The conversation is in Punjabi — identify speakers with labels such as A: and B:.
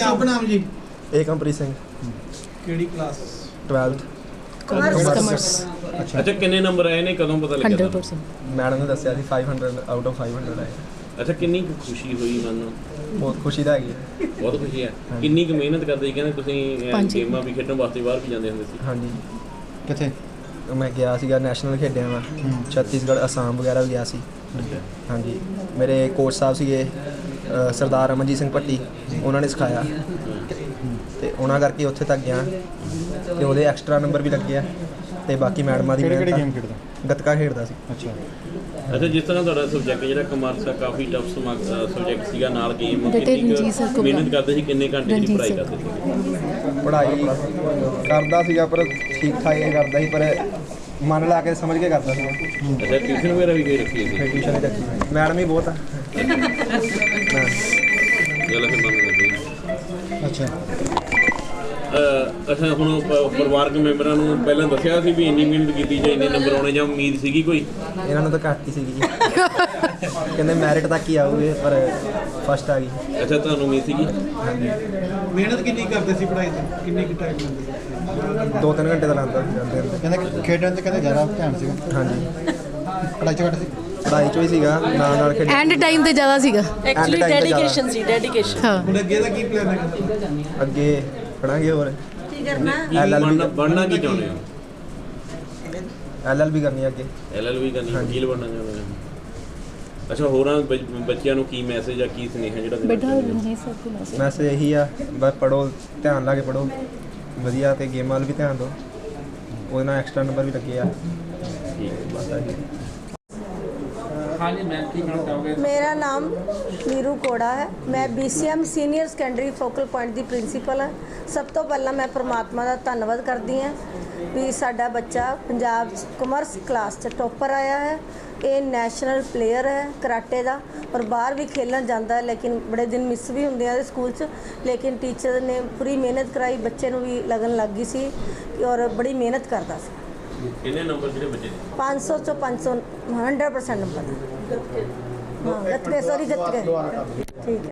A: शुभ नाम जी?
B: ਏਕਮਪ੍ਰੀਤ ਸਿੰਘ
A: केड़ी क्लास?
B: 12th
C: commerce.
D: ਅੱਛਾ ਕਿੰਨੇ ਨੰਬਰ ਆਏ ਨੇ, ਕਦੋਂ ਪਤਾ ਲੱਗਿਆ ਤੁਹਾਨੂੰ?
C: 100%।
B: ਮੈਡਮ ਨੇ ਦੱਸਿਆ ਸੀ 500 ਆਊਟ ਆਫ 500 ਆਏ।
D: ਅੱਛਾ ਕਿੰਨੀ ਕੁ ਖੁਸ਼ੀ ਹੋਈ ਮਨ ਨੂੰ?
B: ਬਹੁਤ ਖੁਸ਼ੀ ਦਾ ਹੈਗੀ ਹੈ।
D: ਬਹੁਤ ਖੁਸ਼ੀ ਹੈ। ਕਿੰਨੀ ਕੁ ਮਿਹਨਤ ਕਰਦੇ ਸੀ? ਕਹਿੰਦੇ ਤੁਸੀਂ
C: ਪੰਜ।
D: ਗੇਮਾਂ ਵੀ ਖੇਡਣ ਵਾਸਤੇ ਬਾਹਰ ਵੀ ਜਾਂਦੇ ਹੁੰਦੇ ਸੀ।
B: ਹਾਂਜੀ
A: किथे?
B: ਮੈਂ ਗਿਆ ਸੀਗਾ ਨੈਸ਼ਨਲ ਖੇਡਿਆ ਮੈਂ ਛੱਤੀਸਗੜ੍ਹ ਅਸਾਮ ਵਗੈਰਾ ਵੀ ਗਿਆ ਸੀ। ਹਾਂਜੀ ਮੇਰੇ ਕੋਚ ਸਾਹਿਬ ਸੀਗੇ ਸਰਦਾਰ ਅਮਨਜੀਤ ਸਿੰਘ ਭੱਟੀ, ਉਹਨਾਂ ਨੇ ਸਿਖਾਇਆ ਤੇ ਉਹਨਾਂ ਕਰਕੇ ਉੱਥੇ ਤੱਕ ਗਿਆ ਤੇ ਉਹਦੇ ਐਕਸਟਰਾ ਨੰਬਰ ਵੀ ਲੱਗੇ ਆ ਤੇ ਬਾਕੀ ਮੈਡਮਾਂ ਦੀ
A: ਕਿਹੜੀ
B: ਮਿਹਨਤ
A: ਗੇਮ ਖੇਡਦਾ?
B: ਗੱਤਕਾ ਖੇਡਦਾ ਸੀ।
A: ਅੱਛਾ।
D: ਅੱਛਾ ਜਿਸ ਤਰ੍ਹਾਂ ਤੁਹਾਡਾ ਸਬਜੈਕਟ ਜਿਹੜਾ ਕਮਰਸ ਆ ਕਾਫੀ ਟਫ ਸਬਜੈਕਟ ਸੀਗਾ, ਨਾਲ ਗੇਮ
C: ਉਹਦੇ ਤੇ
D: ਕਿੰਨੀ
C: ਰਣਜੀਤ ਸਰ
D: ਕੁ
C: ਕੋਲ
D: ਮਿਹਨਤ ਕਰਦੇ ਸੀ, ਕਿੰਨੇ ਘੰਟੇ ਦੀ
C: ਰਣਜੀਤ
D: ਪੜ੍ਹਾਈ
C: ਸਰ।
D: ਕਰਦੇ ਸੀ?
B: ਪੜ੍ਹਾਈ ਕਰਦਾ ਸੀਗਾ ਪਰ ਠੀਕ ਠਾਕ ਹੀ ਕਰਦਾ ਸੀ, ਪਰ ਮਨ ਲਾ ਕੇ ਸਮਝ ਕੇ ਕਰਦਾ ਸੀਗਾ।
D: ਅੱਛਾ ਟਿਊਸ਼ਨ ਵਗੈਰਾ ਵੀ ਕੋਈ ਰੱਖੀ ਸੀ?
B: ਟਿਊਸ਼ਨ ਹੀ ਰੱਖੀ ਮੈਡਮ ਹੀ ਬਹੁਤ ਆ।
D: ਗੱਲ ਫਿਰ ਮੰਨ ਲੈਂਦੇ।
A: ਅੱਛਾ।
D: ਅੱਛਾ ਹੁਣ ਪਰਿਵਾਰਕ ਮੈਂਬਰਾਂ ਨੂੰ ਪਹਿਲਾਂ ਦੱਸਿਆ ਸੀ ਵੀ ਇੰਨੀ ਮਿਹਨਤ ਕੀਤੀ ਜਾਂ ਇੰਨੇ ਨੰਬਰ ਆਉਣੇ, ਜਾਂ ਉਮੀਦ ਸੀਗੀ ਕੋਈ?
B: ਇਹਨਾਂ ਨੂੰ ਤਾਂ ਘੱਟ ਹੀ ਸੀਗੀ ਜੀ। ਕਹਿੰਦੇ ਮੈਰਿਟ ਤੱਕ ਹੀ ਆਊਗੇ ਪਰ ਫਸਟ ਆ ਗਈ।
D: ਅੱਛਾ ਤੁਹਾਨੂੰ ਉਮੀਦ ਸੀਗੀ?
A: ਮਿਹਨਤ ਕਿੰਨੀ ਕਰਦੇ ਸੀ ਪੜ੍ਹਾਈ ਤੇ? ਕਿੰਨੀ ਕੁ ਟਾਈਮ ਲੈਂਦੇ ਸੀ?
B: 2-3 ਘੰਟੇ ਦਾ ਲਾਉਂਦਾ ਸੀ ਜਾਂਦੇ ਹੁੰਦੇ।
A: ਕਹਿੰਦੇ ਖੇਡਣ ਤੇ ਕਹਿੰਦੇ ਜ਼ਿਆਦਾ ਧਿਆਨ ਸੀਗਾ,
B: ਹਾਂਜੀ
A: ਪੜ੍ਹਾਈ 'ਚ ਘੱਟ ਸੀ।
B: ਪੜ੍ਹਾਈ 'ਚੋਂ ਹੀ ਸੀਗਾ, ਨਾਲ ਖੇਡ
C: ਐਂਡ ਟਾਈਮ ਤੇ ਜ਼ਿਆਦਾ ਸੀਗਾ
E: ਐਕਚੁਅਲੀ
B: time ਤੇ
E: ਡੈਡੀਕੇਸ਼ਨ ਸੀ, ਡੈਡੀਕੇਸ਼ਨ।
C: ਹਾਂ।
A: ਹੁਣ ਅੱਗੇ ਦਾ ਕੀ ਪਲਾਨ ਹੈ?
B: ਅੱਗੇ ਪੜਾਂਗੇ ਹੋਰ
E: ਕੀ ਕਰਨਾ?
D: ਬਣਨਾ ਕੀ ਚਾਹੁੰਦੇ ਹੋ?
B: LLB ਕਰਨੀ ਆ ਅੱਗੇ।
D: LLB ਕਰਨੀ,
B: ਹਾਂਜੀ।
D: ਵਕੀਲ ਬਣਨਾ ਚਾਹੁੰਦੇ ਹੋ? ਅੱਛਾ ਹੋਰਾਂ ਬੱਚਿਆਂ ਨੂੰ ਕੀ ਮੈਸੇਜ ਜਾਂ ਕੀ ਸੁਨੇਹਾ ਜਿਹੜਾ ਦੇਣਾ
C: ਬੇਟਾ
D: ਚਾਹੁੰਦੇ ਹੋ?
C: ਰਣਜੀਤ ਸਰ ਕੋਲ ਮੈਸੇਜ।
B: ਮੈਸੇਜ ਇਹੀ ਆ ਬਸ ਪੜੋ, ਧਿਆਨ ਲਾ ਕੇ ਪੜੋ ਵਧੀਆ ਤੇ ਗੇਮਾਂ ਵੱਲ ਵੀ ਧਿਆਨ ਦਿਓ, ਉਹਦੇ ਨਾਲ ਐਕਸਟਰਾ ਨੰਬਰ ਵੀ ਲੱਗੇ ਆ।
D: ਠੀਕ ਹੈ।
B: ਬਸ ਆਹੀ।
F: मेरा नाम नीरू कोड़ा है। मैं BCM senior secondary focal point ਦੀ ਪ੍ਰਿੰਸੀਪਲ ਹਾਂ। ਸਭ ਤੋਂ ਪਹਿਲਾਂ ਮੈਂ ਪਰਮਾਤਮਾ ਦਾ ਧੰਨਵਾਦ ਕਰਦੀ ਹਾਂ ਵੀ ਸਾਡਾ ਬੱਚਾ ਪੰਜਾਬ 'ਚ ਕਮਰਸ ਕਲਾਸ 'ਚ ਟੋਪਰ ਆਇਆ ਹੈ। ਇਹ ਨੈਸ਼ਨਲ ਪਲੇਅਰ ਹੈ ਕਰਾਟੇ ਦਾ, ਔਰ ਬਾਹਰ ਵੀ ਖੇਲਣ ਜਾਂਦਾ ਹੈ, ਲੇਕਿਨ ਬੜੇ ਦਿਨ ਮਿਸ ਵੀ ਹੁੰਦੇ ਆ ਇਹਦੇ ਸਕੂਲ 'ਚ, ਲੇਕਿਨ ਟੀਚਰ ਨੇ ਪੂਰੀ ਮਿਹਨਤ ਕਰਾਈ, ਬੱਚੇ ਨੂੰ ਵੀ ਲਗਨ ਲੱਗ ਗਈ ਸੀ ਔਰ ਬੜੀ ਮਿਹਨਤ ਕਰਦਾ ਸੀ।
D: ਕਿੰਨੇ ਨੰਬਰ ਜਿਹੜੇ ਬੱਚੇ ਦੇ?
F: 500 ਚੋਂ 500 100% ਨੰਬਰ। ਹਾਂ ਗੱਤਕੇ, ਸੌਰੀ ਗੱਤਕੇ। ਠੀਕ ਹੈ।